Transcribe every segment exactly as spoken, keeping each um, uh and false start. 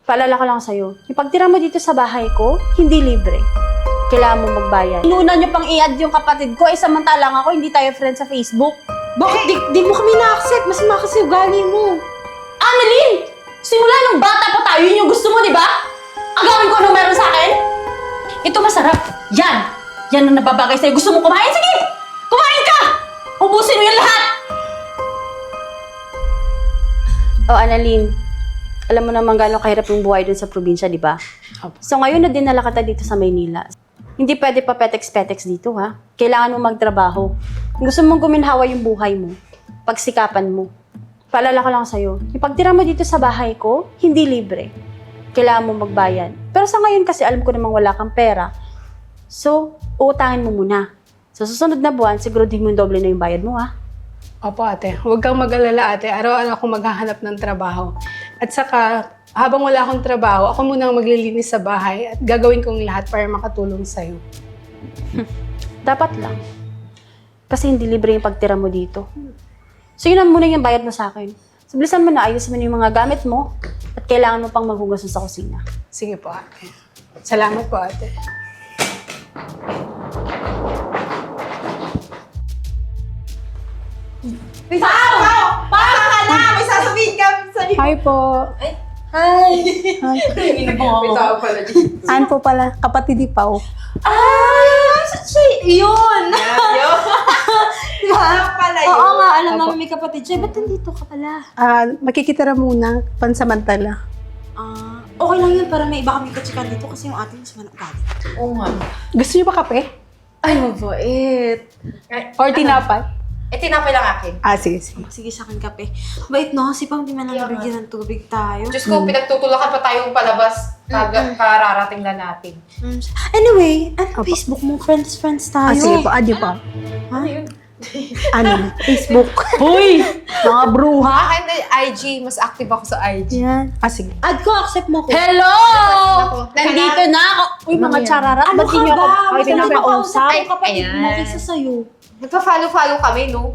Paalala ko lang sa'yo, yung pagtira mo dito sa bahay ko, hindi libre. Kailangan mo magbayad. Inuna nyo pang i-add yung kapatid ko, eh samantalang ako, hindi tayo friends sa Facebook. Bakit di, di mo kami na-accept? Masama kasi ugali mo. Annalyn! Simula nung bata pa tayo, yun yung gusto mo, di ba? Agawin ko anong meron sa akin? Ito masarap. Yan! Yan ang nababagay sa'yo. Gusto mo kumain? Sige! Kumain ka! Ubusin mo yung lahat! Oh, Annalyn. Alam mo naman gano'ng kahirap yung buhay dun sa probinsya, di ba? So ngayon na dinala kita dito sa Maynila. Hindi pwede pa petex-petex dito, ha? Kailangan mo magtrabaho. Kung gusto mong guminhawa yung buhay mo, pagsikapan mo. Paalala ko lang sa'yo, yung pagtira mo dito sa bahay ko, hindi libre. Kailangan mo magbayad. Pero sa ngayon kasi alam ko namang wala kang pera. So, uutangin mo muna. Sa susunod na buwan, siguro din mo yung doble na yung bayad mo, ha? Opo ate, huwag kang mag-alala ate. Araw-araw akong maghahanap ng trabaho. At saka, habang wala akong trabaho, ako muna ang maglilinis sa bahay at gagawin kong lahat para makatulong sa'yo. Dapat lang. Kasi hindi libre yung pagtira mo dito. So yun na muna yung bayad mo sa akin. So bilisan mo na, ayusin mo na yung mga gamit mo at kailangan mo pang maghugas sa kusina. Sige po ate. Salamat po ate. May Pao! Pao! Pao ka na! May sasabihin ka! Sabi Hi po. Hi! May tao pala dito. Ann po pala, kapatid ni Pao. Ah! Siya! Yun! Yun! Diba? pala yun. Oo nga, alam Opo. namin may kapatid siya. Ba't nandito ka pala? Ah, makikitira muna, pansamantala. Ah, okay lang yun para may iba kami katsikan dito kasi yung ating sa manok galit. Oo nga. Gusto niyo ba kape? Ay, mabait. Or tinapay? Eh, tinapay lang akin. Ah, sige, sige. Sige sa akin kape. Bait no, si Pang di man lang Kaya nga. nabigyan ng tubig tayo. Diyos ko, pinagtutulakan pa tayong palabas. Kag- kararating na natin. Mm. Anyway, ano Opo. Facebook mo? Friends, friends tayo. Ah, sige po, add niyo po. Ano yun? Ano? Facebook. Hoy! Mga bruha! Akin na I G. Mas active ako sa I G. Yan. Ah, sige. Add ko, accept mo ko. Hello! Ako. Nandito na ako! Uy, mga chararat, Ano ba't ka di niyo ba? ako Mas ay, hindi pinapakausap? makausap Ay, yung kapatid mo ayan. kaysa sa'yo. Nagpa-follow-follow kami, no?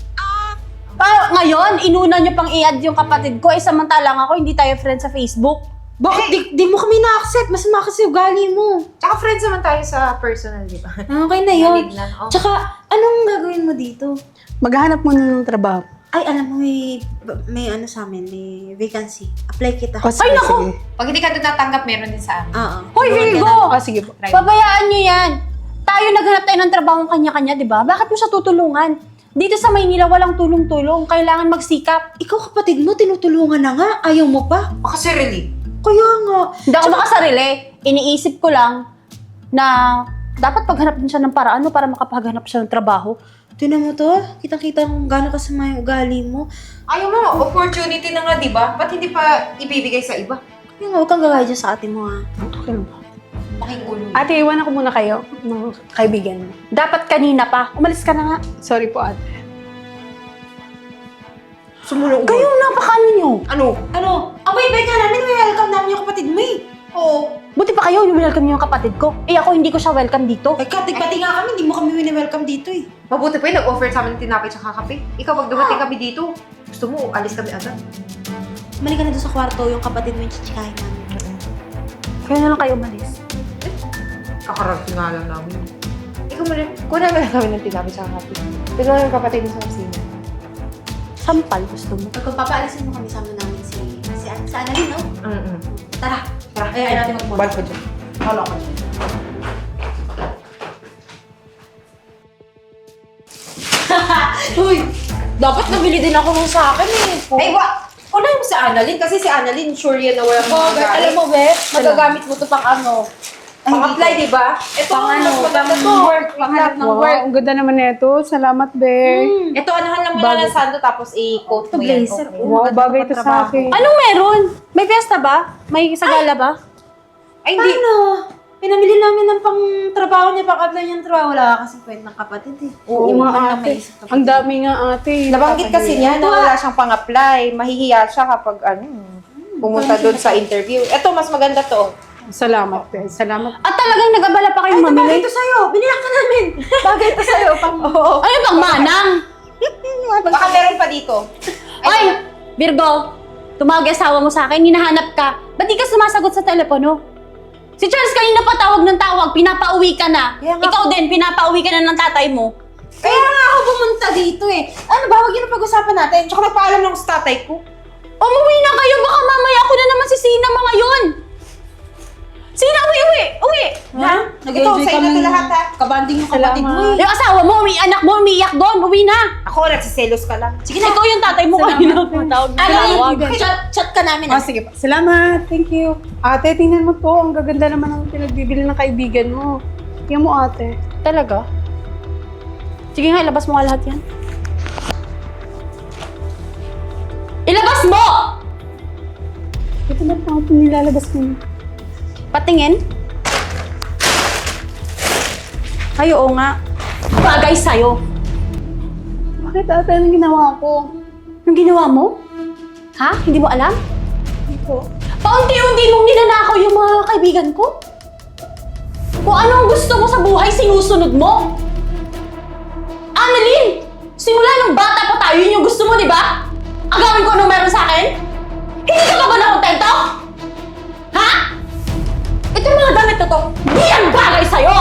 Pa, ngayon, inuna nyo pang i-add yung kapatid ko, eh samantalang ako, hindi tayo friends sa Facebook. Bakit di, di mo kami na-accept? Masama kasi ugali mo. Tsaka friends naman tayo sa personal, di ba? Okay na yun. Nalig lang. Oh. Tsaka, anong gagawin mo dito? Maghahanap muna ng trabaho. Ay, alam mo, may, may ano sa amin, may vacancy. Apply kita. Oh, sige, Ay, naku! sige. Pag hindi ka doon natanggap, meron din sa amin. Oo. Hoy, Virgo! Ah, sige po. Try mo. Pabayaan nyo yan! Tayo naghanap tayo ng trabaho kanya-kanya, di ba? Bakit mo siya tutulungan? Dito sa Maynila, walang tulong-tulong. Kailangan magsikap. Ikaw kapatid mo, tinutulungan na nga. Ayaw mo pa? Oh, kasi really. Kaya nga. Hindi ako makasarili. Iniisip ko lang na dapat paghanap din siya ng paraan no, para makapaghanap siya ng trabaho. Tinan mo to, kitang-kita kung gano'n kasama yung ugali mo. Ayaw mo, opportunity na nga, di ba? Ba't hindi pa ibibigay sa iba? Kaya nga, huwag kang gagaya dyan sa ate mo ha. Okay lang po. Making ulo. Ate, iwan ako muna kayo ng kaibigan mo. Dapat kanina pa. Umalis ka na nga. Sorry po, ate. Sumulong Kayo, napakaano nyo? Ano? Ano? Ang bait-bait nga namin, may welcome namin yung kapatid mo eh. Oo. Buti pa kayo, welcome niyo yung kapatid ko. Eh ako, hindi ko siya welcome dito. Ay, katig pati nga kami, hindi mo kami wini-welcome dito eh. Mabuti pa yun, nag-offer sa amin ng tinapay tsaka kape. Ikaw, pag dumating kami dito, gusto mo, alis kami agad. Mali ka na doon sa kwarto, yung kapatid mo yung chichikahin namin. Kaya na lang kayo umalis. Kakarating nga lang namin. Ikaw mo rin, kunan mo lang kami ng tinapay tsaka kape. Tignan mo yung kapatid mo sa kusina. Sampal, gusto mo. Pag papaalisin mo kami, sama namin si, si, si Annalyn, no? Mm-mm. Tara. Tara, Ay, ay, natin magmuna. Bal ko dyan. Hala ko dyan. Uy! Dapat nabili din ako nung sa akin eh. Ay, wa! Unahin mo si Annalyn kasi si Annalyn sure yan na walang Oh, magagamit. alam mo, Beth, magagamit mo to pang ano? Pang-apply, di ba? Ito, Pang ano, mas maganda pang to. work, panghanap ng Wow, work. ang ganda naman nito. Salamat, Be. Ito, anahan lang muna ng sando tapos i-coat mo yan. Blazer, Okay. oh. Wow, maganda bagay pa ito sa trabaho. akin. Anong meron? May fiesta ba? May sagala ba? Ay, hindi. Ano? Pinamili namin ng pang trabaho niya, pang apply niya ng trabaho. Wala kasi kwentang kapatid eh. Oo Hindi mo nga, man lang ate. maisip kapatid. Ang dami nga, ate. Nabanggit kasi niya na wala siyang pang-apply. Mahihiya siya kapag ano, pumunta doon sa interview. Ito, mas maganda to. Salamat, Be. Salamat. At talagang nag-abala pa kayong Ay, bagay mamili? ito sa'yo! Binilang ka namin! Bagay ito sa'yo, pang... Oo. Ano bang manang? Baka meron pa dito. Ay, Virgo! Tumawag yung asawa mo sa akin, hinahanap ka. Ba't di ka sumali telepono? Si Charles kanina pa tawag ng tawag, pinapauwi ka na. Kaya nga- Ikaw din, pinapauwi ka na ng tatay mo. Kaya nga ako pumunta dito eh. Ano ba? Huwag yun ang pag-usapan natin. Tsaka nagpaalam lang ako sa tatay ko. Umuwi na kayo, baka mamaya ako na naman si Sina mga yun. Sina, uwi, uwi, uwi. Ha? Ito, sa inyo to lahat ha. Kabanding yung kapatid mo eh. Yung asawa mo, uwi, anak mo, umiiyak doon, uwi na. Ako, nagsiselos ka lang. Sige na. Ikaw yung tatay mo kanina. Tawag na tawag. Chat, chat ka namin Oh, ah. sige pa. Salamat. Thank you. Ate, tingnan mo to. Ang gaganda naman ang pinagbibili ng kaibigan mo. Tingnan mo, ate. Talaga? Sige nga, ilabas mo nga lahat yan. Ilabas mo! Ito na pa ako nilalabas ko na. Patingin. Ay, oo nga. Bagay sa'yo. Bakit ate? Anong ginawa ko? Yung ginawa mo? Ha? Hindi mo alam? Hindi ko. Paunti-unti mong ninanakaw yung mga kaibigan ko? Kung ano ang gusto mo sa buhay, sinusunod mo? Annalyn! Simula nung bata pa tayo, yun yung gusto mo, di ba? Agawin ko anong meron sa akin? Hindi ka ba ba nakontento? Ha? Ito mga damit na to, di yan bagay sa'yo!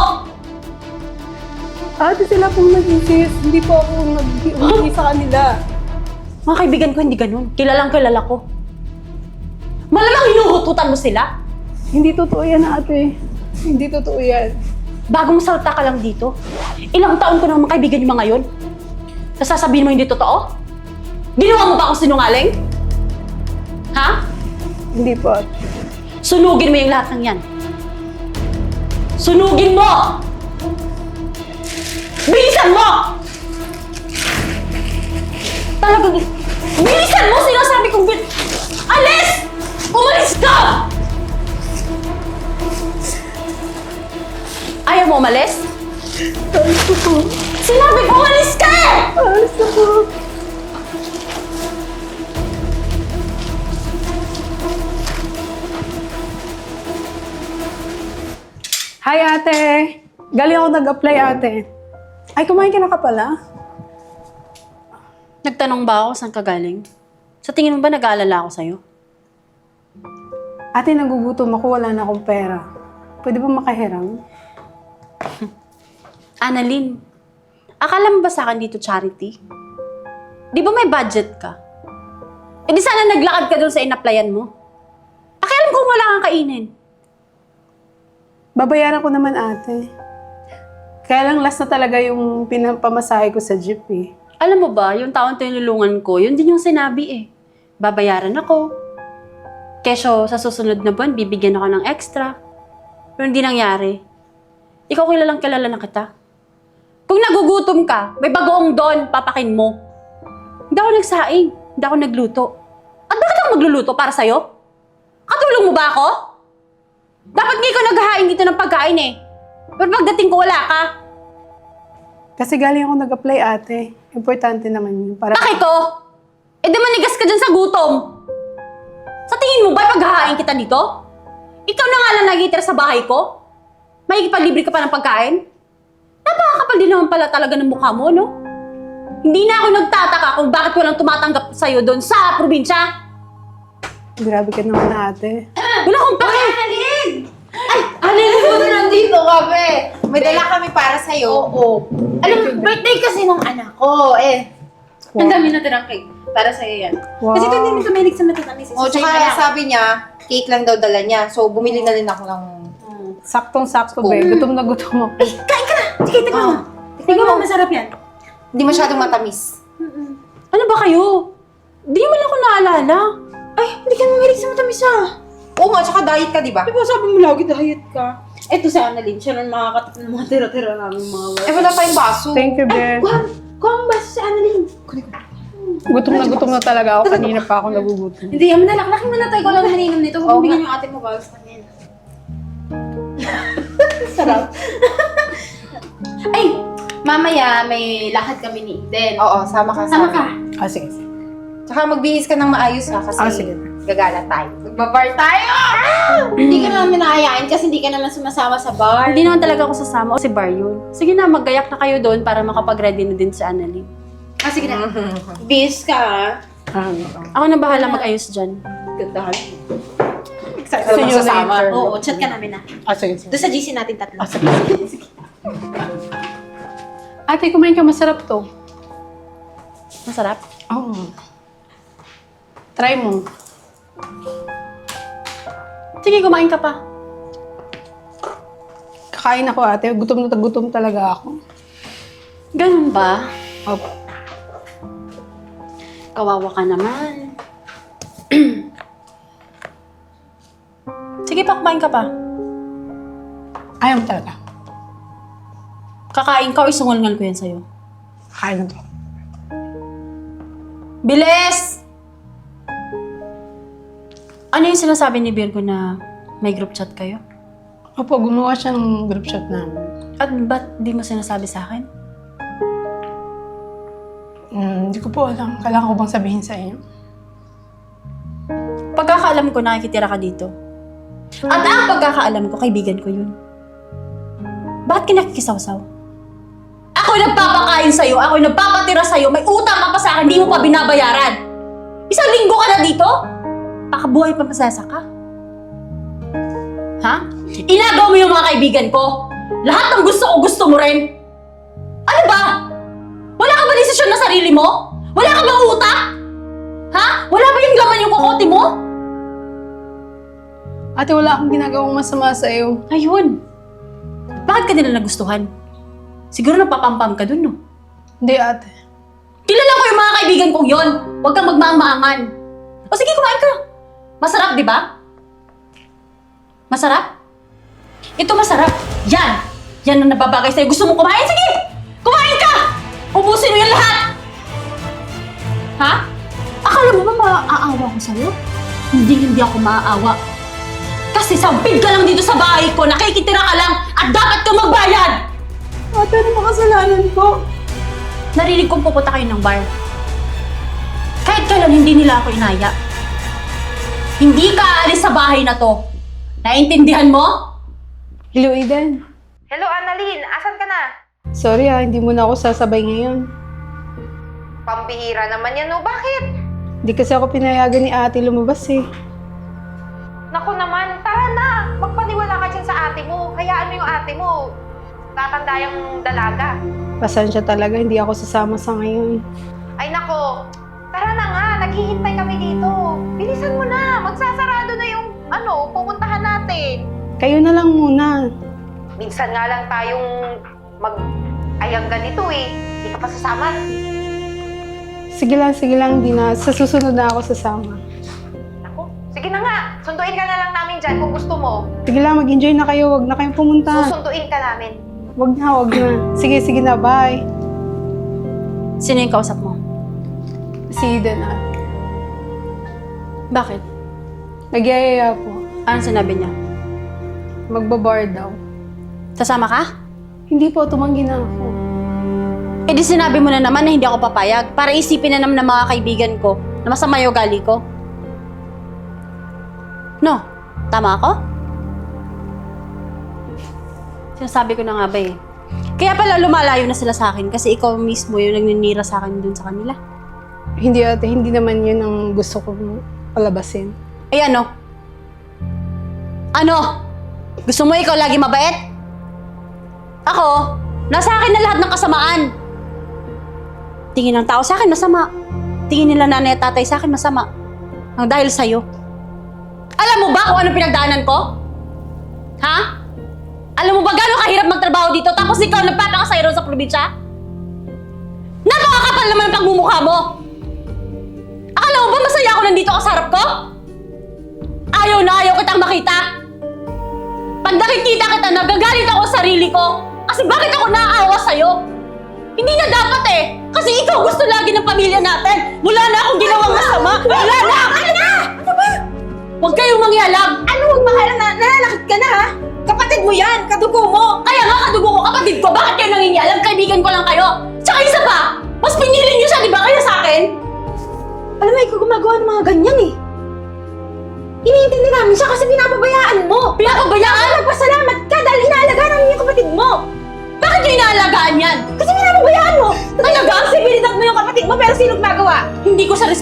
Ate, sila pong nag-insist. Hindi po ako nag-uwi sa kanila. Mga kaibigan ko, hindi ganun. Kilalang kilala ko. Malamang hinuhututan mo sila. Hindi totoo yan, ate. Hindi totoo yan. Bagong salta ka lang dito. Ilang taon ko nang mga kaibigan yung mga yun. Nasasabihin mo hindi totoo? Ginawa mo ba akong sinungaling? Ha? Hindi po, ate. Sunugin mo yung lahat ng yan. Sunugin mo! Bilisan mo! Talagang... Bilisan mo! Sinasabi kong bil... Alis! Umalis ka! Ayaw mo umalis? Alis na po. Sinabi ko umalis ka! Alis na po. Hi, ate. Galing ako nag-apply, ate. Ay, kumain ka na ka pala? Nagtanong ba ako saan ka galing? Sa tingin mo ba nag-aalala ako sa'yo? Ate, nagugutom ako. Wala na akong pera. Pwede ba makahiram? Annalyn, akala mo ba sa akin dito charity? Di ba may budget ka? E di sana naglakad ka doon sa in-applyan mo. Pakialam kung wala kang kainin. Babayaran ko naman, ate. Kaya lang last na talaga yung pinapamasahe ko sa jeep, eh. Alam mo ba, yung taong tinulungan ko, yun din yung sinabi eh. Babayaran ako. Kesyo sa susunod na buwan, bibigyan ako ng extra. Pero hindi nangyari. Ikaw kilalang kilala na kita. Kung nagugutom ka, may bagoong doon, papakin mo. Hindi ako nagsaing. Hindi ako nagluto. At bakit ako magluluto para sa'yo? Katulong mo ba ako? Dapat nga ikaw naghahain dito ng pagkain eh. Pero pagdating ko, wala ka. Kasi galing ako nag-apply, ate. Importante naman yun. Para... Bakit ko? Eh di manigas ka dyan sa gutom. Sa tingin mo ba paghahain kita dito? Ikaw na nga lang nagitira sa bahay ko? May ipaglibre ka pa ng pagkain? Napakakapal din naman pala talaga ng mukha mo, no? Hindi na ako nagtataka kung bakit walang tumatanggap sa'yo doon sa probinsya. Grabe ka naman, ate. Wala akong pake! Annalyn! Ay, Annalyn! Nandito kami. May dala kami para sa'yo. Oo. Alam mo, birthday kasi nung anak ko. Eh, Ang dami na tirang cake. Para sa'yo yan. Wow. Kasi kung hindi mo kamilig sa matatamis, oh, tsaka sabi niya, cake lang daw dala niya. So, bumili na rin ako ng... Saktong-sakto, be. Gutom na gutom ako. Kain ka na! Sige, tignan mo. Tignan mo, masarap yan. Hindi masyadong matamis. Ano ba kayo? Di mo lang ako naalala. Ay, hindi ka mamilig sa matamis ah. Oo nga, tsaka diet ka, di ba? Diba sabi mo lagi diet ka? Eto si Annalyn, siya nang makakatap ng mga tira-tira namin mga Eh, wala pa yung baso. Thank you, be. Kuha, kuha ang baso si Annalyn. Gutom na gutom na talaga ako. Kanina pa ako nagugutom. Hindi, yaman na, laklakin mo na tayo. Ikaw lang maninom nito. Oo Kung bigyan yung ate mo bawas pa niyan. Sarap. Ay, mamaya may lakad kami ni Eden. Oo, sama ka. Sama ka. Ah, sige. sige. Tsaka magbihis ka ng maayos ha, kasi Ah, sige. gagala tayo. Magbabar tayo! Hindi ka namin naayain kasi hindi ka naman sumasama sa bar. Hindi naman talaga ako sasama o si Bar yun. Sige na, maggayak na kayo doon para makapag-ready na din si Annalyn. Ah, sige na. Bis ka ah. Ah, Ako na bahala mag-ayos dyan. Gandahan. excited See ako you sasama. later. Oo, chat ka namin na. Ah, sige, sige. Doon sa G C natin tatlo. Ah, sige, sige. Ate, kumain ka, masarap to. Masarap. Oo. Try mo. Sige, kumain ka pa. Kakain ako, ate. Gutom na gutom talaga ako. Ganun ba? Opo. Kawawa ka naman. Sige pa, kumain ka pa. Ayaw mo talaga. Kakain ka o isungal-ngal ko yan sa'yo. Kakain na to. Bilis! Ano yung sinasabi ni Virgo na may group chat kayo? Opo, gumawa siya ng group chat namin. At ba't di mo sinasabi sa akin? Hmm, hindi ko po alam. Kailangan ko bang sabihin sa inyo? Pagkakaalam ko, nakikitira ka dito. At ang pagkakaalam ko, kaibigan ko yun. Bakit ka nakikisaw-saw? Ako yung nagpapakain sa'yo, ako yung nagpapatira sa'yo, may utang ka pa sa akin, di mo pa binabayaran. Isang linggo ka na dito? Pakabuhay pa masasa ka. Ha? Inagaw mo yung mga kaibigan ko. Lahat ng gusto ko, gusto mo rin. Ano ba? Wala ka ba desisyon na sarili mo? Wala ka bang utak? Ha? Wala ba yung laman yung kokote mo? Ate, wala akong ginagawang masama sa iyo. Ayun. Bakit ka nila nagustuhan? Siguro napapampam ka dun, no? Hindi, ate. Kilala ko yung mga kaibigan kong yon. Huwag kang magmaang-maangan. O sige, kumain ka. Masarap, di ba? Masarap? Ito masarap. Yan. Yan ang nababagay sa'yo. Gusto mo kumain? Sige! Kumain ka! Ubusin mo yung lahat! Ha? Akala mo ba maaawa ko sa'yo? Hindi, hindi ako maaawa. Kasi sampid ka lang dito sa bahay ko, nakikitira ka lang, at dapat kang magbayad! Ate, ano makasalanan ko? Narinig kong pupunta kayo ng bar. Kahit kailan hindi nila ako inaya. Hindi ka aalis sa bahay na to. Naintindihan mo? Hello, Aiden. Hello, Annalyn. Asan ka na? Sorry ah, hindi mo na ako sasabay ngayon. Pambihira naman yan, no? Bakit? Hindi kasi ako pinayagan ni ate lumabas eh. Naku naman, tara na! Magpaniwala ka dyan sa ate mo. Hayaan mo yung ate mo. Tatanda yung dalaga. Pasensya talaga, hindi ako sasama sa ngayon. Ay nako, tara na nga. Naghihintay kami dito. Bilisan mo na. Magsasarado na yung ano, pupuntahan natin. Kayo na lang muna. Minsan nga lang tayong mag-ayang ganito eh. Hindi ka pa sasama. Sige lang, sige lang, di na. Sa susunod na ako sasama. Naku, sige na nga. Sunduin ka na lang namin dyan kung gusto mo. Sige lang, mag-enjoy na kayo. Huwag na kayong pumunta. Susunduin ka namin. Huwag na, huwag na. Sige, sige na, bye. Sino yung kausap mo? Si Eden ah. Bakit? Nagyayaya po. Anong sinabi niya? Magbabar daw. Sasama ka? Hindi po, tumanggi na ako. Eh di sinabi mo na naman na hindi ako papayag para isipin na naman ng mga kaibigan ko na masama yung ugali ko. No? Tama ako? Sinasabi ko na nga ba eh. Kaya pala lumalayo na sila sa akin kasi ikaw mismo yung nagninira sa akin dun sa kanila. Hindi ate, hindi naman yun ang gusto kong palabasin. Eh ano? Ano? Gusto mo ikaw lagi mabait? Ako, nasa akin na lahat ng kasamaan. Tingin ng tao sa akin masama. Tingin nila nanay at tatay sa akin masama. Ang dahil sa'yo. Alam mo ba kung ano pinagdaanan ko? Ha? Alam mo ba gano'ng kahirap magtrabaho dito tapos ikaw nagpapakasayro sa probinsya? Napakakapal naman ang pagmumukha mo! Akala mo ba masaya ako nandito ka sa harap ko? Ayaw na ayaw kitang makita! Pag nakikita kita, nagagalit ako sa sarili ko kasi bakit ako naaawa sa'yo? Hindi na dapat eh! Kasi ikaw gusto lagi ng pamilya natin! Wala na akong ginawang masama! Wala na! Ano na? Ano ba? Huwag kayong mangyalam! Ano huwag makalam na? Nalalakit ka na ha? Kapatid mo yan! Kadugo mo! Kaya nga kadugo ko, kapatid ko, bakit kayo nangingialam? Kaibigan ko lang kayo. Tsaka isa pa, mas pinili niyo siya, di ba, kaya sa akin? Alam mo, ikaw gumagawa ng mga ganyan eh. Iniintindi namin siya kasi pinapabayaan mo. Pinapabayaan? Nagpasalamat ka dahil inaalagaan namin yung kapatid mo. Bakit niyo inaalagaan yan? Kasi pinapabayaan mo. Talaga? Sibilidad mo yung kapatid mo pero sino gumagawa? Hindi ko sa respeto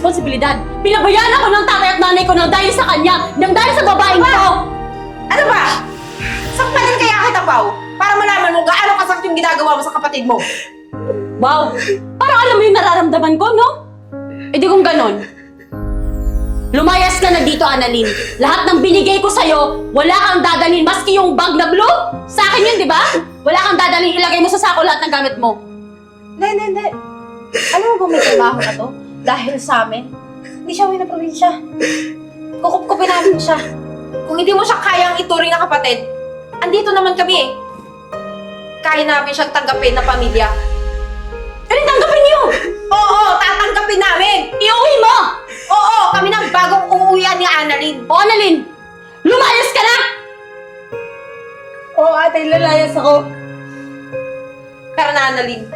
responsibilidad. Pinabayaan ako ng tatay at nanay ko nang dahil sa kanya, nang dahil sa babaeng to. Ano ba? Sakpalan kaya kita, Pao? Para malaman mo gaano kasakit yung ginagawa mo sa kapatid mo. Wow! Parang alam mo yung nararamdaman ko, no? E di kung ganon. Lumayas ka na dito, Annalyn. Lahat ng binigay ko sa'yo, wala kang dadalhin. Maski yung bag na blue, sa akin yun, di ba? Wala kang dadalhin. Ilagay mo sa sako lahat ng gamit mo. Hindi, hindi, hindi. Alam mo ba may trabaho na to? Dahil sa amin, hindi siya uwi na probinsya. Kukup-kupin namin siya. Kung hindi mo siya kayang ituring na kapatid, andito naman kami eh. Kaya namin siyang tanggapin na pamilya. Ano tanggapin niyo? Oo, tatanggapin namin! Iuwi mo! Oo, kami ng bagong uuwian ni Annalyn. O, Annalyn! Lumayas ka na! Oo, ate, lalayas ako. Tara na, Annalyn.